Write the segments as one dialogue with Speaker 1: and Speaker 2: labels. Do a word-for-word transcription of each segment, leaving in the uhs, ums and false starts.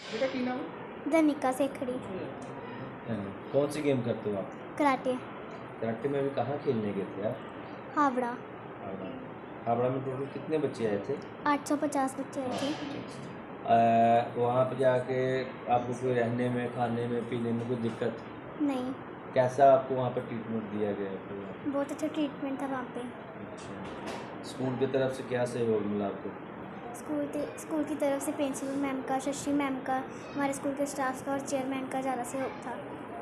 Speaker 1: बेटा की नाम?
Speaker 2: धनिका सेखड़ी।
Speaker 3: कौन सी गेम करते हो आप?
Speaker 2: कराटे।
Speaker 3: कराटे में अभी कहाँ खेलने गए थे आप?
Speaker 2: हावड़ा।
Speaker 3: हावड़ा। हावड़ा में टोटल कितने बच्चे आए थे?
Speaker 2: आठ सौ पचास बच्चे आए थे।
Speaker 3: अ, वहाँ पे जाके आपको कोई रहने में, खाने में, पीने में कोई दिक्कत?
Speaker 2: नहीं,
Speaker 3: कैसा आपको वहाँ पर ट्रीटमेंट दिया गया आपको?
Speaker 2: बहुत अच्छा ट्रीटमेंट था वहाँ पे।
Speaker 3: अच्छा, स्कूल की तरफ से क्या सहयोग मिला आपको?
Speaker 2: स्कूल के स्कूल की तरफ से प्रिंसिपल मैम का, शशि मैम का, हमारे स्कूल के स्टाफ का और चेयरमैन का ज़्यादा सहयोग था।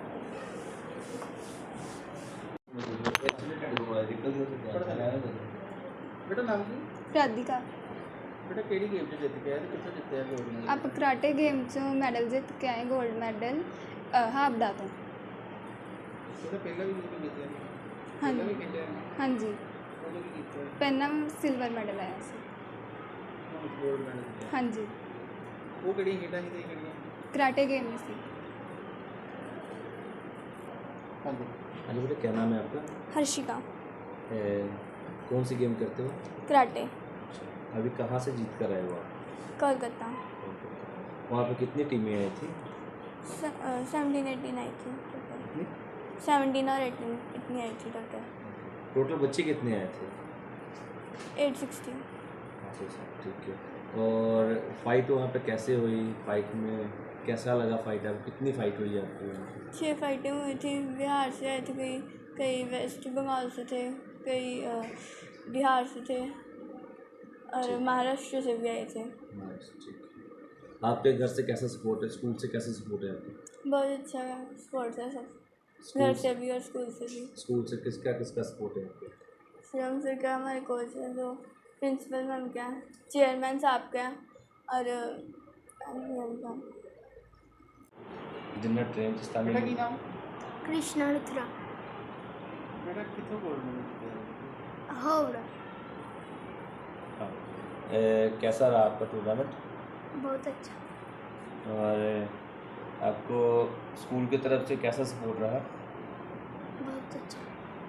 Speaker 1: बेटा नाम की?
Speaker 4: राधिका।
Speaker 1: बेटा केड़ी गेम च जित के आए ते कित्थों जित्ते आ गोल्ड मैडल?
Speaker 4: आप कराटे गेम चों मैडल जित के आए, गोल्ड मैडल हावड़ा तो।
Speaker 1: बेटा पहला भी जित के जित्ते
Speaker 4: हाँ
Speaker 1: पहला भी
Speaker 4: जी
Speaker 1: खेलिया है?
Speaker 4: हाँ जी
Speaker 1: उदों की कीता है?
Speaker 4: पहला सिल्वर मैडल आया सी।
Speaker 1: ਹੁਣ ਗੋਲਡ ਮੈਡਲ ਜਿੱਤਿਆ।
Speaker 4: हाँ जी
Speaker 1: ਉਹ ਕਿਹੜੀਆਂ ਖੇਡਾਂ ਸੀ ਤੇ ਕਿਹੜੀਆਂ?
Speaker 4: कराटे गेम में सी।
Speaker 1: ਹਾਂਜੀ।
Speaker 3: हाँ जी बेटा, क्या नाम है आपका?
Speaker 2: हर्षिका।
Speaker 3: ए, कौन सी गेम करते हो?
Speaker 2: कराटे।
Speaker 3: अभी कहाँ से जीत कर आए हो आप?
Speaker 2: कोलकाता।
Speaker 3: वहाँ पे कितनी टीमें आई थी?
Speaker 2: सेवनटीन एटीन आई थी टोटल।
Speaker 3: कितनी?
Speaker 2: सेवनटीन और एटीन इतनी आई थी टोटल।
Speaker 3: टोटल बच्चे कितने आए थे?
Speaker 2: Eight sixty.
Speaker 3: अच्छा अच्छा, ठीक है। और फाइट वहाँ पे कैसे हुई? फाइट में कैसा लगा फाइट? अब कितनी फाइट हुई आपकी वहाँ पे?
Speaker 2: छः फाइटें हुई थी। बिहार से आए थे कई, कई वेस्ट बंगाल से थे, कई अ, बिहार से थे और
Speaker 3: ठीक।
Speaker 2: महाराष्ट्र से भी आए थे।
Speaker 3: नाइस, ठीक है। आपके घर से कैसा सपोर्ट है? स्कूल से कैसा सपोर्ट है आपको?
Speaker 2: बहुत अच्छा स्पोर्ट्स है सब,
Speaker 3: स्कूल
Speaker 2: घर से भी और स्कूल से भी।
Speaker 3: स्कूल से किसका किसका सपोर्ट है आपको?
Speaker 2: श्रम से क्या हमारे कोच हैं, जो प्रिंसिपल मैम क्या हैं, चेयरमैन साहब क्या हैं और अ, मैम का
Speaker 3: जिन्ना ट्रेन से स्थानीय
Speaker 1: बेटा की नाम?
Speaker 2: कृष्णा रुद्रा।
Speaker 1: बेटा कित्थों गोल्ड मैडल जित्तिया?
Speaker 2: हावड़ा।
Speaker 3: हाँ। ए, कैसा रहा आपका टूर्नामेंट?
Speaker 2: बहुत अच्छा।
Speaker 3: और आपको स्कूल की तरफ से कैसा सपोर्ट रहा?
Speaker 2: बहुत अच्छा।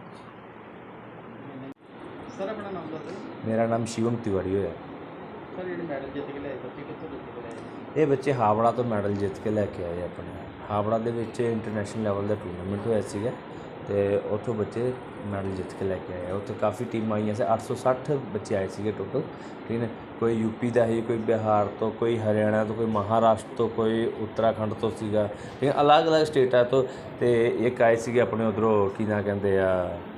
Speaker 1: सर अपना नाम दसो।
Speaker 3: मेरा नाम शिवम तिवारी है।
Speaker 1: सर ਜਿਹੜੇ ਮੈਡਲ ਜਿੱਤ ਕੇ ਲਿਆਏ ਬੱਚੇ ਕਿੱਥੋਂ ਜਿੱਤ ਕੇ ਲਿਆਏ?
Speaker 3: ਇਹ ਬੱਚੇ ਹਾਵੜਾ ਤੋਂ ਮੈਡਲ ਜਿੱਤ ਕੇ ਲੈ ਕੇ ਆਏ ਆਪਣੇ। ਹਾਵੜਾ ਦੇ ਵਿੱਚ ਇੰਟਰਨੈਸ਼ਨਲ ਲੈਵਲ ਦਾ ਟੂਰਨਾਮੈਂਟ ਹੋਇਆ ਸੀਗਾ ਅਤੇ ਉੱਥੋਂ ਬੱਚੇ ਮੈਡਲ ਜਿੱਤ ਕੇ ਲੈ ਕੇ ਆਏ। ਉੱਥੇ ਕਾਫੀ ਟੀਮਾਂ ਆਈਆਂ ਸੀ, ਅੱਠ ਸੌ ਸੱਠ ਬੱਚੇ ਆਏ ਸੀਗੇ ਟੋਟਲ, ਠੀਕ ਹੈ। ਕੋਈ ਯੂਪੀ ਦਾ ਸੀ, ਕੋਈ ਬਿਹਾਰ ਤੋਂ, ਕੋਈ ਹਰਿਆਣਾ ਤੋਂ, ਕੋਈ ਮਹਾਰਾਸ਼ਟਰ ਤੋਂ, ਕੋਈ ਉੱਤਰਾਖੰਡ ਤੋਂ ਸੀਗਾ, ਠੀਕ ਹੈ। ਅਲੱਗ ਅਲੱਗ ਸਟੇਟਾਂ ਤੋਂ, ਅਤੇ ਇੱਕ ਆਏ ਸੀਗੇ ਆਪਣੇ ਉੱਧਰੋਂ ਕੀ ਨਾਂ ਕਹਿੰਦੇ ਆ,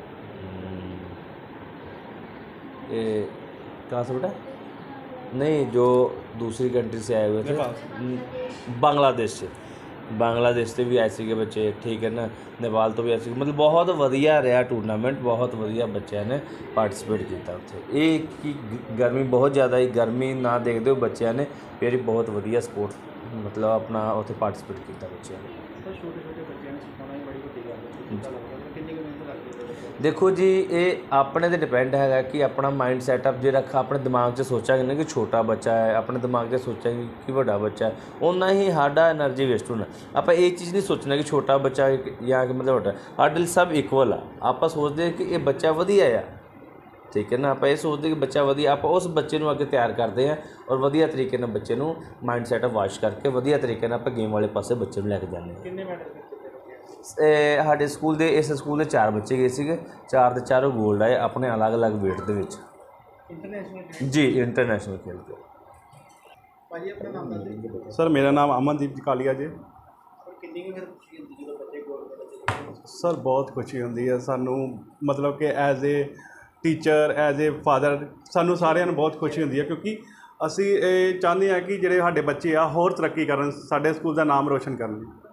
Speaker 3: ये कहाँ से बेटा? नहीं, जो दूसरी कंट्री से आए हुए थे, बांग्लादेश से बांग्लादेश से भी आए थे बच्चे, ठीक है ना। नेपाल तो भी आए, मतलब बहुत वधिया रहा टूर्नामेंट, बहुत वधिया बच्चों ने पार्टिसिपेट किया उत्थे। एक की गर्मी बहुत ज़्यादा ही, गर्मी ना देखते हुए बच्चों ने फिर बहुत वधिया स्पोर्ट मतलब अपना उत्थे पार्टिसिपेट किया बच्चों ने।
Speaker 1: सर छोटे छोटे बच्चों ने सिखाना ही बड़ी वड्डी गल है। कितनी कुछ मेहनत लगती है?
Speaker 3: देखो जी, ये अपने ते डिपेंड है कि अपना माइंड सैटअप जो रखा अपने दिमाग से सोचांगे ना कि छोटा बच्चा है, अपने दिमाग से सोचांगे कि बड़ा बच्चा है, उन्ना ही साडा एनर्जी वेस्ट होना। आप ये चीज़ नहीं सोचना कि छोटा बच्चा या कि मतलब बड़ा, साडे सब इक्वल आ। आप सोचते हैं कि ये बच्चा वधिया आ, ठीक है ना। आप ये सोचते कि बच्चा वधिया, आप उस बच्चे को अगे तैयार करते हैं और वधिया तरीके नाल बच्चे को माइंड सैटअप वाश करके वधिया तरीके नाल आप गेम वाले पासे बच्चे लैके जाने।
Speaker 1: कितने मैडल जित्ते?
Speaker 3: साढ़े स्कूल के इस स्कूल के चार बच्चे गए थे, चार के चारों गोल्ड आए अपने अलग अलग वेट के विच।
Speaker 1: इंटरनेशनल
Speaker 3: जी, इंटरनेशनल खेल के।
Speaker 1: भाजी अपना नाम दस दो।
Speaker 5: सर मेरा नाम अमनदीप कालिया जी।
Speaker 1: और कितनी की फिर खुशी होती है जो बच्चे गोल्ड मैडल जितते हैं?
Speaker 5: सर बहुत खुशी होंदी है सानू, मतलब कि as a teacher, as a father, सानू सारिਆਂ ਨੂੰ बहुत खुशी होंदी है, क्योंकि ਅਸੀਂ ਇਹ ਚਾਹੁੰਦੇ ਹਾਂ कि ਜਿਹੜੇ ਸਾਡੇ ਬੱਚੇ ਆ ਹੋਰ ਤਰੱਕੀ ਕਰਨ, ਸਾਡੇ ਸਕੂਲ ਦਾ ਨਾਮ ਰੋਸ਼ਨ ਕਰਨ।